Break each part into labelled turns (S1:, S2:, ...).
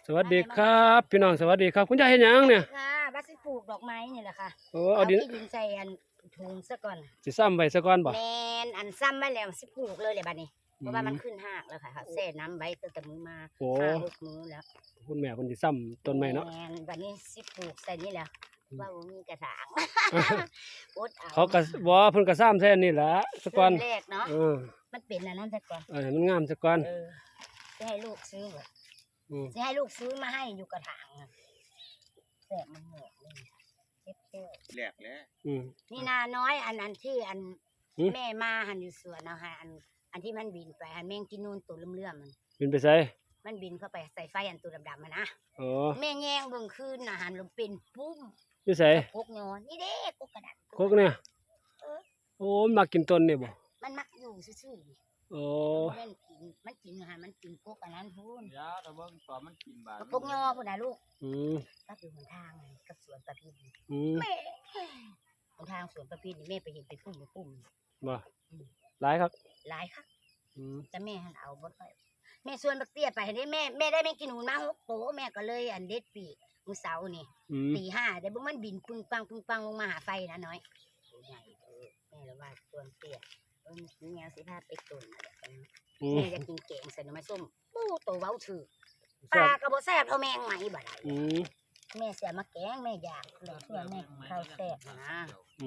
S1: สวัสดีครับพี่น้องสวัสดีครับคุณยายเฮ็ดหยังเนี่ย
S2: ค่ะบัดสิปลูกดอกไม้นี่แหละค่ะ
S1: โอ้เอาดิน
S2: ขี้ดินใส่อันถุงซะก่อน
S1: สิซ้ำไว้ซะก่อนบ่
S2: แม่นอันซ้ำไว้แล้วสิปลูกเลยบัดนี้เพราะว่ามันขึ้นหากแล้วค่ะแช่น้ำไว้ตั้งแต่มื้อมา5-6 มื้อแล้ว
S1: คุณแม่เพิ่นสิซ้ำต้นไม้เนาะ
S2: แม่นบัดนี้สิปลูกใส่นี่แหละว่าบ่มีกระถางอดเอา
S1: เขาก็บ่เพิ่นก็ซ้ำใส่อันนี้ล่ะซะก่อน
S2: แรกเนาะมันเป็นอันนั้นซะก่อน
S1: มันงามซะก่อน
S2: สิให้ลูกซื้อบ่สิให้ลูกซื้อมาให้อยู่กระถางแซ่บมันเหงาเลยเก็บแก้ว
S3: แหลกแล้ว
S2: นี่นาน้อยอันที่อันแม่มาหันอยู่สวนเอาค่ะอันที่มันบินไปหันแมงกินนูนตัวเลื่อมๆมัน
S1: บินไปไส
S2: มันบินเข้าไปใส่ไฟอันตัวดำๆมันนะ
S1: อ๋อ
S2: แม่แยงเบิ่งคืนอาหารลมเป็นปุ้ม
S1: อยู่ไส
S2: กกยอนี่เด้กกกระดาษ
S1: กกเนี่ยโอ้มันมากินต้นนี่บ่
S2: มันมักอยู่ซื่อ
S1: ๆโอ้
S2: มันกินอาหารมันกินกกอันนั้นพูน
S3: ยาตะเบิ่งตอนมันกินบาด
S2: กกยอพุ่นน่ะลูกก็อยู่หนทางกับสวนประพินแม่หนทางสวนประพินนี่แม่ไปเห็นไปปุ้ม
S1: บ่หลายครับ
S2: หลายครับแต่แม่หันเอาบ่ค่อยแม่ชวนบักเตี้ยไปได้แม่ได้แม่กินหูมา6 โตแม่ก็เลยอันเด็ดปีกมื้อเสาร์นี่ตี 5ได้บ่มันบินปึ้งปังลงมาหาไฟนะน้อยใหญ่แม่เลยว่าชวนเตี้ยมีแนวสิพาไปตุ่นแม่จะกินแกงใส่หน่อไม้ส้มปูโตเว้าถือปลาก็บ่แซ่บเท่าแมงไหมบ่ได้แม่เสียมาแกงแม่อยากแล้วเพื่อแม่ข้าวแซ่บนะ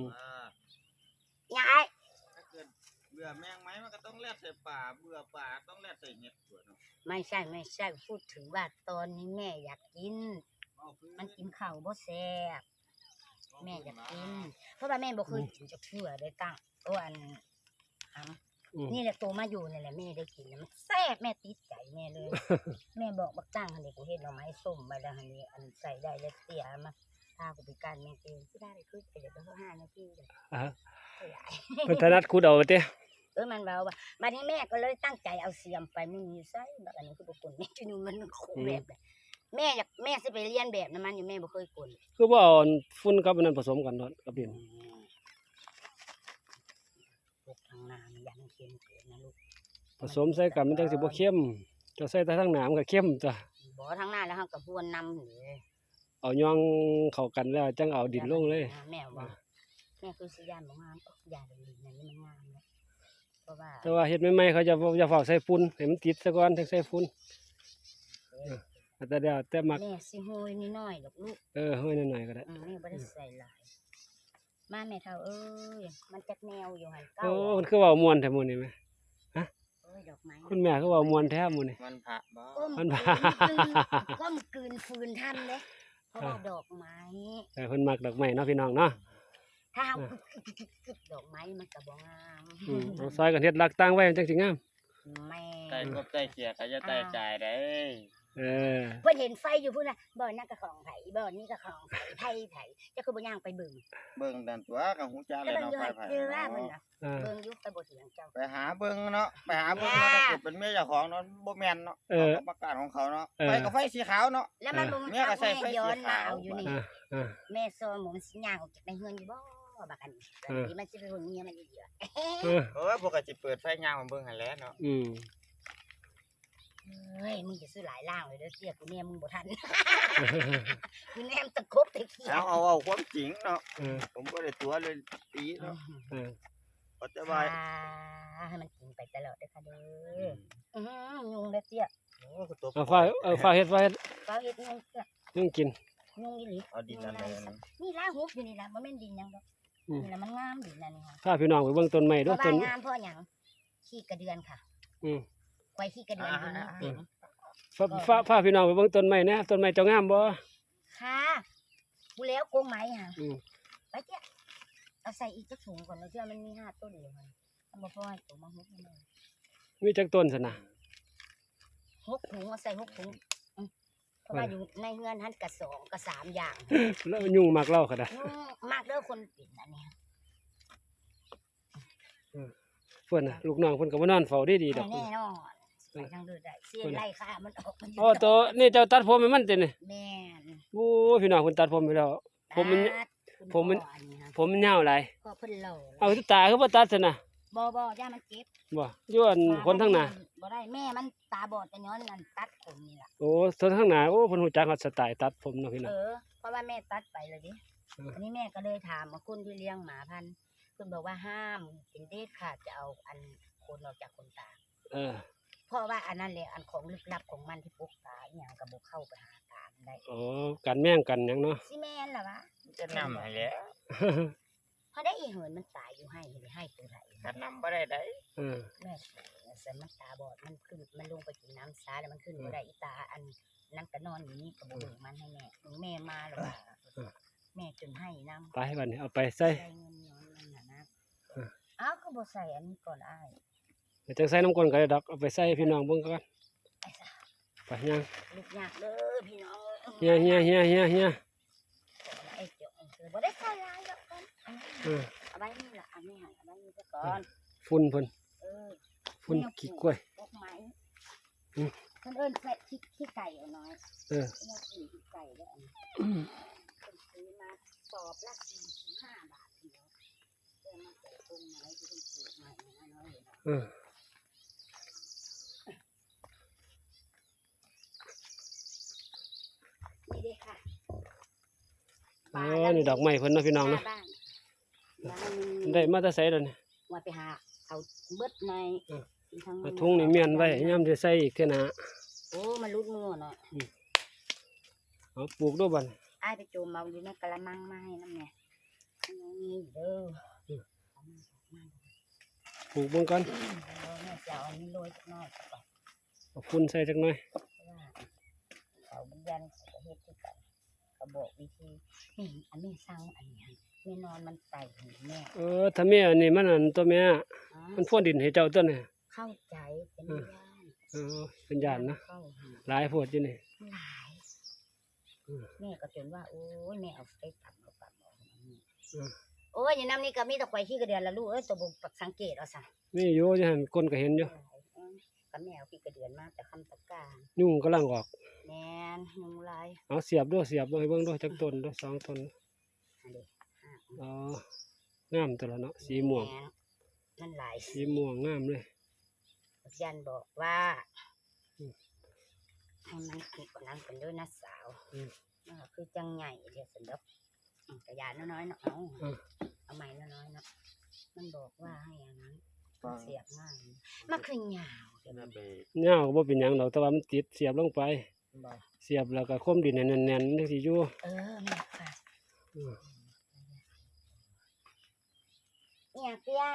S2: ยาย
S3: ถ้าเกิดเบื่อแมงไหมมันก็ต้องแล่ใส่ป่าเบื่อป่าต้องแล่ใส่เห็ดตัวเนาะ
S2: ไม่ใช่พูดถึงว่าตอนนี้แม่อยากกินมันกินข้าวบ่แซ่บแม่อยากกินเพราะว่าแม่บ่เคยกินจักเทื่อได้ตั้งตัวอันนี่แหละโตมาอยู่นี่แหละแม่ได้กินมันแซ่บแม่ติดใจแม่เลยแม่บอกบักจ้างหั่นนี่กูเฮ็ดหน่อไม้ส้มไปแล้วหั่นนี่อันใส่ได้แล้วเตี้ยมาถ้ากูไปการแม่เองสิได้คือไปเดี๋ยวก็5 นาทีเด้อ
S1: เพิ่นถนัดขุดเอาติ
S2: มันเบาว่าบัดนี้แม่ก็เลยตั้งใจเอาเสียมไปมึงอยู่ไสบักอันนี้คือบ่กลแม่ที่นู่นมันโคแบบแม่สิไปเรียนแบบนั้นมันอยู่แม่บ่เคยกล
S1: คือบ่เอาฝุ่นกับอันนั้นผสมกันเนาะกับดิน
S2: ทางนามันยังเค็มเกินนะลูก
S1: ผสมใส่กันมันจังสิบ่เค็มจะใส่แต่ทางหน้ามันก็เค็มจ้ะ
S2: บ่ทางหน้าแล้วเฮาก็พรวนนำนี่
S1: เอาย่องเข้ากันแล้วจังเอาดินลงเลย
S2: แม่ว่าแม่คือสิย่านบ่งามย่านดินนั่นมันงามแล้ว
S1: แต่ว่าเฮ็ดใหม่ๆเขาจะเฝ้าใส่ฝุ่นให้มันติดซะก่อนถึงใส่ฝุ่นแต่เดี๋ยวแต่มัก
S2: แม่สิโหยนิดหน่อยดอกลูก
S1: โหยหน่อยๆก็ได้
S2: แม่บ่ได้ใส่หลายมาแม่เฒ่าเอ้ยมันจักแนวอยู่หั่นเก้า
S1: มันคือเว้าม่วนแท้มื้อนี้แม่ฮะ
S2: ดอกไม้
S1: คุณแม่คือเว้าม่วนแท้มื้อนี้
S3: มันพระบ่
S1: มันพระ
S2: ก้มกลืนฟืนทันเด้เพราะว่าดอกไม้
S1: เพิ่นมักดอกไม้เนาะพี่น้องเนาะ
S2: ถ้าดอกไม้มันก็บ่งาม
S1: เอาซอยกันเฮ็ดรักตั้งไว้จังสิงาม
S2: แม่
S3: ใต้กบใต้เขียก็จะใต้จ่ายได้
S2: เพิ่นเห็นไฟอยู่พุ่นน่ะบ่นั่นก็ของไผบ่นี่ก็ของไผจะคือบ่ย่างไปเบิ่ง
S3: นั่นตัวก็ฮู้จักเลยเนาะไผ
S2: เบิ่งอยู่ไปบ่เถียงเจ้า
S3: ไปหาเบิ่งเนาะถ้าเกิดเป็นเมียเจ้าของเนาะบ่แม่นเนาะประกาศของเขาเนาะไฟก็ไฟสีขาวเนาะ
S2: แล้วมันบ่เมียก็ใส่ไฟย้อนมาเอาอยู่นี่แม่ซอหมูมันสิย่างออกจากในเฮือนอยู่บ่บักอันนี้มันสิเป็นคนเมียมันอีก
S3: พวกก็สิเปิดไฟย่างมาเบิ่งหั่นแหละเนาะ
S2: เฮ้ยมึงจะซื้อหลายล่างเลยเด้อเสียกูแม่มึงบ่ทันกูแนมตะคบตะเคียน
S3: เอาความจริงเนาะผมบ่ได้ตัวเลยตีเนาะก็จะบาย
S2: ให้มันกินไปตลอดเด้อค่ะเด้อยุงเด้อเตี้ย
S1: โอ้ก็ตกฟ้าเฮ็ด
S2: ยุง
S1: ยุงกิน
S2: ยุงอีหลี
S3: เอาดินอะไร
S2: นี่ล่าหุบอยู่นี่ล่ะบ่แม่นดินหยังดอกนี่ล่ะมันงามดินนั่นนี่ค่ะ
S1: พาพี่น้องไปเบิ่งต้นไม้เด้อต้น
S2: งามเพราะหยังขี้กระเดือนค่ะไว้ขี้กระเดือนอยู่นี่เต็ม
S1: ฟ้าพี่น้องไปเบิ่งต้นไม้นะต้นไม้เจ้างามบ่
S2: ค่ะกูแล้วโกงไม้ค่ะไปเจ้าเอาใส่อีกสักถุงก่อนแล้วเชื่อมันมี5 ต้นอยู่ค่ะบ่พอให้ตัวมา6นี่
S1: มีจักต้นซั่นน่ะ
S2: 6 ถุงเอาใส่6 ถุงเพราะว่าอยู่ในเฮือนหันกะ2กะ3อย่าง
S1: แล้วยุงมักเล่าก็ได้
S2: มากเด้อคนปิ่นอันนี้
S1: เพิ่นน่ะลูกน้องเพิ่นก็บ่นอนเฝ้าดีๆดอก
S2: แน่นอนไปทางเดินได้เสียไล่ค่ะมันออกมัน
S1: อ๋อตัวนี่เจ้าตัดผมให้มันตินี่
S2: แม่น
S1: โอ้พี่น้องเพิ่นตัดผมไปแล้วผมมันยาวหลาย
S2: พอเพิ่นเล่า
S1: เอาตาคือบ่ตัดซั่นน่ะ
S2: บ่ย่ามันเจ็บ
S1: บ่ย้อนคนทั้งหน้า
S2: บ่ได้แม่มันตาบอดแต่ย้อนนั่นตัดผมนี่ล่ะ
S1: โอ้คนทั้งหน้าโอ้เพิ่นฮู้จักฮอดสไตล์ตัดผมเนาะพี่น้อง
S2: เพราะว่าแม่ตัดไปเลยดิ อันนี้แม่ก็เลยถามมาคนที่เลี้ยงหมาพันธุ์เพิ่นบอกว่าห้ามเป็นเด็ดขาดจะเอาอันคนออกจากคนตา
S1: เออ
S2: เพราะว่าอันนั้นแหละอันของลึกลับของมันที่ปกตาอหย่างก็บ่เข้าไปหาตามันได้
S1: อ๋อกันแม่งกันหยังเนาะ
S2: สิแม่นล่ะวะ
S3: จะนำให้แล้ว
S2: พอได้อีเหินมันตายอยู่ให้ตัวไหน
S3: ถ้านำบ่ได้ได้
S1: เออ
S2: แม่สันมันตาบอดมันขึ้นมันลงไปกินน้ำซาแล้วมันขึ้นบ่ได้อีตาอันนั้นก็นอนอยู่นี่ก็บ่รู้มันให้แม่มาแล้วว่าแม่จนให้น้ำ
S1: ไปบัดนี้เอาไปใส่
S2: ใส่เงินย้อนนั่นน่ะนะอ้าวก็บ่ใส่อันนี้ก่อนอ้าย
S1: เดี๋ยวจังใส่น้ำก้นก็ได้ดอกเอาไปใส่ให้พี่น้องเบิ่งก่อน
S2: ไปซะ
S1: ไปยัง
S2: ลูกยากเด้อพี่น้อง
S1: เฮีย
S2: ไอ้เจ้าบ่ได้ใส่หลายดอกก่อน
S1: เออ
S2: เอาไว้นี่ล่ะเอาไม่ให้เอาไว้นี่ซะก่อน
S1: ฝุ่นเพิ่น
S2: เออ
S1: ฝุ่นขี้กล้วย
S2: พวกไม้
S1: อืม
S2: เพิ่นเอิ้นใส่ขี้ไก่เอาน้อย
S1: เออ
S2: เพิ่นเอาขี้ไก่เด้ออันนี้เพิ่นซื้อมาสอบละ45 บาทเดียวเพิ่นมาปลูกต้นไม้ที่เพิ่นปลูกใหม่นะน้อยเห็นบ่
S1: เออ
S2: นี่เด้ค่ะ
S1: อ๋อนี่ดอกไม้เพิ่นเนาะพี่น้องเนาะ
S2: บ้าน
S1: ได้มาแต่ไสแล้วนี่
S2: ว่าไปหาเอาเบิดใน
S1: เออ
S2: ทั้ง
S1: เอาถุงนี่เมียนไว้ยามสิใส่อีกเท่าหน้า
S2: โอ้มันรุดมือเนาะ
S1: เอาปลูกด้วยบัด
S2: อ้ายไปโจมเอาอยู่ในกะละมังมาให้น้ำเนี่ยนี่เด้อเอามา
S1: ปลูกเบิ่งก่อน
S2: แม่จะเอาอันนี้โรยสักหน่อยก่อน
S1: เอาฝุ่นใส่จักหน่อย
S2: เพราะว่าเขาบุญยันเขาก็เฮ็ดที่กันเขาบอกวิธีนี่อันนี้สร้างอันนี้แม่นอนมันไต่หูแม่
S1: เออถ้าแม่อันนี้มันอันตัวแม่
S2: อ๋อ
S1: มันพ่นดินให้เจ้าตัวนี่
S2: เข้าใจเป็นย่าน
S1: เออเป็นญาตินะ
S2: เข้าหา
S1: หลายโพดอยู่นี่
S2: หลาย
S1: อืม
S2: แม่ก็จนว่าโอ้ยแม่เอาไปตัดเอาตัดเอา
S1: อืม
S2: โอ้ยอย่างน้ำนี่ก็มีแต่ข่อยขี้กระเดือนละลูกเอ้ยตัวบุกสังเกตเอาซะ
S1: นี่อยู่จังหั่นคนก็เห็นอยู่
S2: ก็แม่เอาขี้กระเดือนมาแต่คำตะกร้าร
S1: ยุ่งกำลังออก
S2: แม่นยุงลาย
S1: เอาเสียบด้วยเสียบด้วยเบิ่งด้วยจักต้นด้วยสองต้น
S2: อันนี้
S1: อ๋องามตัวละเนาะสีม่วง
S2: แมันหลาย
S1: สีม่วงงามเลย
S2: ยันบอกว่า
S1: อืม
S2: ให้มันกินกว่านั้นเป็นด้วยนะสาว
S1: อืม
S2: คือจังใหญ่เดียวสันดอกกระยานน้อยๆเนาะเอาใหม่น้อยๆเนาะมันบอกว่าให้อย่างนั้นมันเสียบง่ายมันคือยาวเดี๋ยว
S3: นั่
S2: มัน น
S3: ไป
S1: เหย้าก็บ่เป็นหยังดอกแต่ว่ามันติดเสียบลงไป
S3: บ่
S1: เสียบแล้วก็คมดินให้แน่นๆจังสิอยู่
S2: แม่ค่ะ
S1: อืม
S2: เนี่ยเตี้ย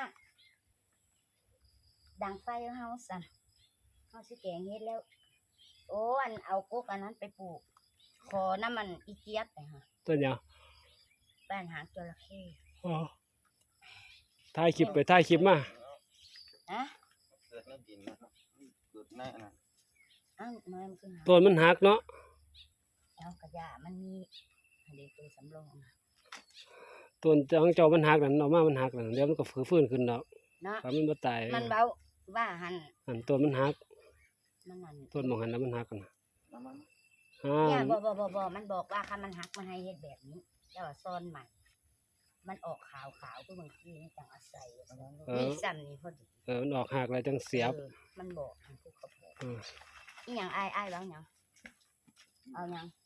S2: ดังไฟเฮาสั่นเฮาสิแกงเฮ็ดแล้ว โอ้อันเอากกอันนั้นไปปลูกขอน้ำมันอีเจี๊ยบไปฮะ
S1: ต้นหยัง
S2: บ้านหางจระเข้
S1: อ๋อถ่ายคลิปไปถ่ายคลิปมา
S2: ฮะ
S3: เกิดในดินนะครับเกิดในอันนั้น
S2: อ้าวน้อยมันคือหา
S1: ต้นมันหักเนาะ
S2: เอากระยามันมีอันนี้ตัวสำรองนะ
S1: ต้นของเจ้ามันหักนั่นออกมามันหักนั่นเดี๋ยวมันก็ฟื้นขึ้นดอก
S2: เนาะ
S1: ถ้ามันบ่ตาย
S2: มันเบาว่าหัน
S1: อันต้นมันหัก
S2: มันนั่น
S1: ต้นหมองหันแล้วมันหักกันนะ
S3: น้ำมัน
S2: เนี่ยบ่มันบอกว่าคันมันหักมันให้เฮ็ดแบบนี้แล้วว่าซ่อนใหม่ มันออกขาวคือบางทีนี่จังอาศัยนี่ซ้ำนี่พอดี
S1: มันออกหักแล้วจังเสียบ
S2: มันบอกทางผู้ขับรถ
S1: เออ
S2: อีหยังอ้ายแล้วหยังเอาหยัง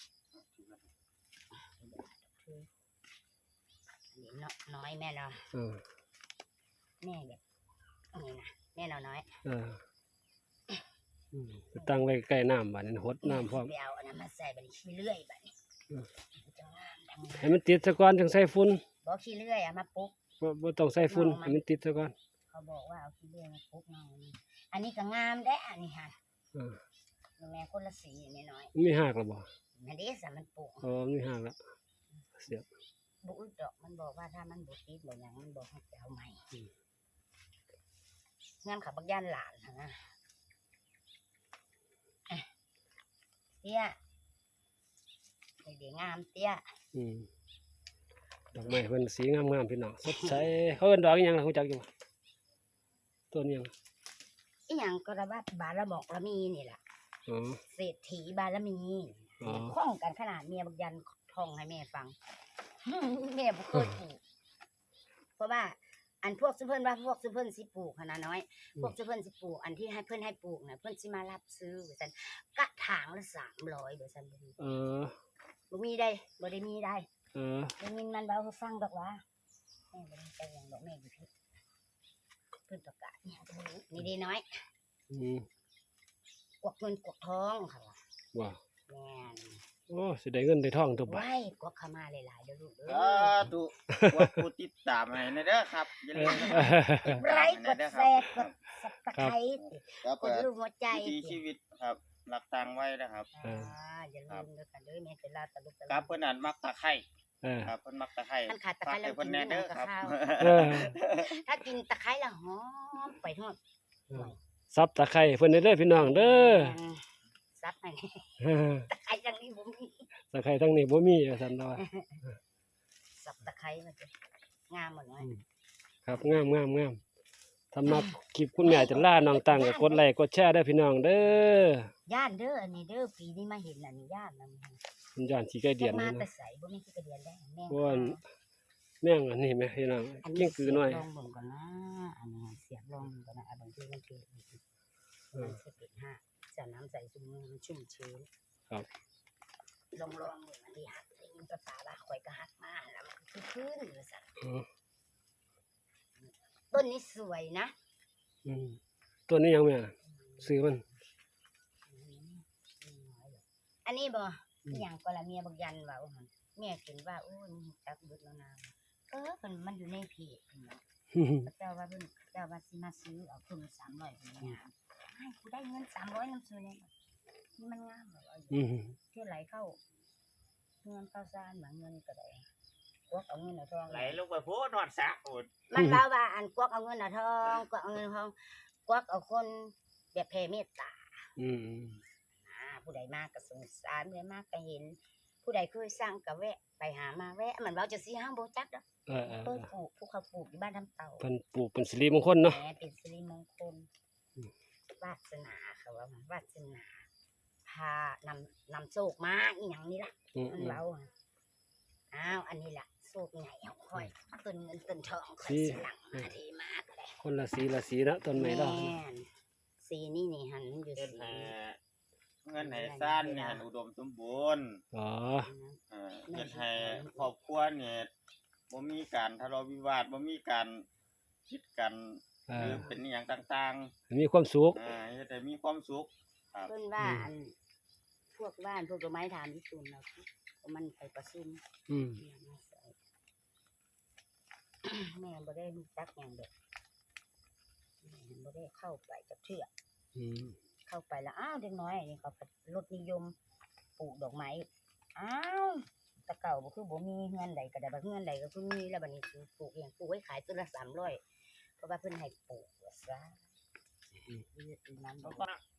S2: อันนี้น้อยแม่เนาะ
S1: เออ
S2: แม่แบบนี่นะแม่น้อย
S1: เออไปตั้งไว้ใกล้น้ำบัดนี้หดน้ำพร้อม
S2: ไปเอาอันนั้นมาใส่บัดนี้ขี้เลื่อยบัดนี้
S1: อืม
S2: จะงามจัง
S1: ให้มันติดซะก่อนจังใส่ฝุ่น
S2: บอกขี้เลื่อยมาปุ๊บ
S1: บ่ต้องใส่ฝุ่นให้มันติดซะก่อน
S2: เขาบอกว่าเอาขี้เลื่อยมาปุ๊บน้องอันนี้ก็งามได้อันนี้ฮะ
S1: เออ
S2: แม่คนละสีน้อย
S1: มันมีหักแล้วบ่
S2: ๆนั่นเด้สามันปลูก
S1: อ๋อมันมีหักแล้วเสียบ
S2: บุอึดดอกมันบอกว่าถ้ามันบุติดบ่หยังมันบอกให้ไปเอาใหม่งานขับบักย่านหลานนะเตี้ยเดี๋ยวงามเตี้ย
S1: อืมดอกไม้เพิ่นสีงามๆพี่น้องสดใสเขาเอิ้นดอกอิหยังล่ะฮู้จักอยู่บ่ต้นอิหยัง
S2: อีหยังก็ระบาดบารบอกละมีนี่แหละ
S1: อ๋อ
S2: เศรษฐีบารมี
S1: อ๋อ
S2: คล้องกันขนาดเมียบักยันท่องให้แม่ฟัง แม่บ่เคยถูกเพราะว่าอันพวกซุเพิ่นว่าพวกซุเพิ่นสิปลูกหั่นน่ะน้อย พวกซุเพิ่นสิปลูกอันที่ให้เพิ่นให้ปลูกน่ะเพิ่นสิมารับซื้อว่าซั่นกระถางละ300ว่าซั่นบ่มี บ่มีได้บ่ได้มีได้ได้ยินมันเว้าให้ฟังดอกว่าแม่บ่ได้ไปหยังดอกแม่อยู่พี่เพิ่นประกาศอิหยังก็บ่รู้นี่เด้น้อยกวักเงินกวักทองค่ะว่า
S1: ว่า
S2: แม่น
S1: โอ้สิได้เงินได้ทองตัวบ่
S2: ไว้กวักเข้ามาหลายๆเด้อลูกเด้
S3: สา
S2: อ
S3: ธุว่าผู้ติดตามให้นะเด้อครับอย่าลืมนะ
S2: ไลค์กดแชร์กด Subscribe
S3: ครับ
S2: กดรูปหัวใจ
S3: วิถีชีวิตครับรักตังไว้นะครับ
S2: อย่าลืมเด้อกันเด้อแม่จะลาตะลุกตะ
S3: ครับเพิ่นนั่นมักตะไคร้
S1: เออ
S3: ครับเพิ่นมักตะไคร้
S2: มันขาดตะไคร้แล้ว
S3: ฝากให้เพิ่นแน่เด้อครับ
S2: กินกับข้าว
S1: เออ
S2: ถ้ากินตะไคร้แล้วหอมไปทอด
S1: ซับตะไคร้เพิ่นเด้อพี่น้องเด้อ
S2: ซับให้
S1: เออ
S2: ตะไคร้จังนี้บ่มี
S1: ตะไคร้ทั้งนี้บ่มีว่าซั่นเนาะ
S2: สับตะไคร้มาจ้ะงามหมดเลย
S1: ครับงามสำหรับคลิปคุณแม่จะล่าน้องตังก็กดไลค์กดแชร์เด้อพี่น้องเด้อย่
S2: านเด้ออันนี้เด้อปีนี้มาเห็นอันนี้ย่านนำ
S1: คุณย้อนสิไก่เดียน
S2: มา
S1: นี่
S2: แต่
S1: เนาะ
S2: ใสบ่มีที่กระเดียนได้แม่
S1: เพราะว่าแม่งอันนี้แม่พี่น้องกิ้งกือน้อย
S2: ลองเบิ่งก่อนนะอันนี้เสียบลองเบิ่งก่อนนะบางทีมันคือมันสิเป็น5จะน้ำใส่ซุมมือมันชุ่มชื้น
S1: ครับ
S2: ลองเบิ่งอันนี้หักได้ยินภาษาว่าข่อยก็หักมาแล้วมันคือขึ้นว่าซั่น
S1: อืม
S2: ต้นนี้สวยนะ
S1: ตัวนี้ยังแม่ซื้อมัน
S2: อันนี้บ่อหย่างก็ละเมียบักยันว่าหั่นเมียเห็นว่าโอ้ยมึงจักเบิดแล้วนะเมันอยู่ในเพจเพิ่นเนาะเจ้าว่าเพิ่นเจ้าว่าสิมาซื้อเอาเพิ่น300เพิ่นงามให้กูได้เงิน300นำซื้อเลยนี่มันงามบ่เอาอยู่เที่ยวไหลเข้าเงินเข้าซ่านบางเงินก็ได้กวักเอาเงินเอาทอง
S3: ไหลลงไปโพนอดสะโอด
S2: มันว่าอันกวักเอาเงินเอาทองกวักเอาเงินเอาทองกวักเอาคนแบบแผ่เมตตา ผู้ใดมากก็สงสารผู้ใดมากก็เห็น ผู้ใดเคยสร้างก็แวะไปหามาแวะมันเว้าจะสิห้ามบ่จักดอกเพิ่นปลูกภูเขาปลูกอยู่บ้านทำเต่า
S1: เพิ่นปลูกเป็นสิริมงคลเนาะ
S2: แหมเป็นสิริมงคลวาสนาเขาว่าวาสนาพานำโชคมาอีหยังนี่ล่ะมันเว้าอ้าวอันนี้ล่ะโชคใหญ่เอาค่อยต้นเงินต้นทองค่อยสิหลังมาเทมาก็ได้
S1: คนละสีละสีเนาะต้นไม้ดอก
S2: แม่นสีนี่หันอยู่
S3: เงิน
S2: สี
S3: ให้เงินให้ซ่านเนี่ยอุดมสมบูรณ์
S1: อ๋อ
S3: เฮ็ดให้ครอบครัวเนี่ยบ่มีการทะเลาะวิวาทบ่มีการคิดกันหรือเป็นอหย่างต่าง
S1: มีความสุข
S3: ๆเฮ็ดให้มีความสุข
S2: เพิ่นว่าอันพวกบ้านพวกดอกไม้ถามญี่ปุ่นเรามันไปประชุมแม่บ่ได้รู้จักหยังเด็กแม่บ่ได้เข้าไปจักเทื่อเข้าไปแล้วอ้าวเด็กน้อยนี่เขารถนิยมปลูกดอกไม้อ้าวแต่เก่าบ่คือบ่มีเงินใดก็ได้บ่เงินใดก็คือมีแล้วบัดนี้คือปลูกเองปลูกไว้ขายต้นละ300เพราะว่าเพิ่นให้ปลูกว่าซะน้ำบ่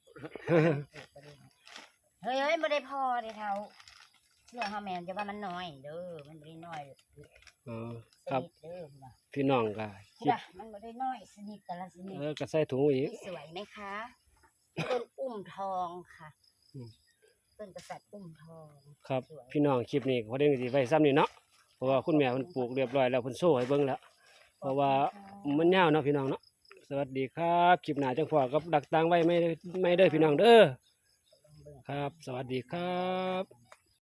S2: เฮ้ยบ่ได้พอเด้เฒ่าเชื่อเฮาแม่นจะว่ามันน้อยเด้อมันบ่ได้น้อย
S1: อ๋อครับ
S2: เด้อนะ
S1: พี่น้องก็คิด
S2: มันบ่ได้น้อยสนิทแต่ละสนิท
S1: ก็ใส่ถุงอีก
S2: สวยไหมคะต้นอุ้มทองค่ะต้นกษัตริย์อุ้มทอง
S1: ครับ
S2: สวย
S1: พี่น้องคลิปนี้พอได้สิไว้ซ้ำนี่เนาะเพราะว่าคุณแม่เพิ่นปลูกเรียบร้อยแล้วเพิ่นโซ่ให้เบิ่งแล้วเพราะว่ามันยาวเนาะพี่น้องเนาะสวัสดีครับคลิปหน้าจังพอกับดักตังไว้ไม่เด้อพี่น้องเด้อครับ สวัสดีครับ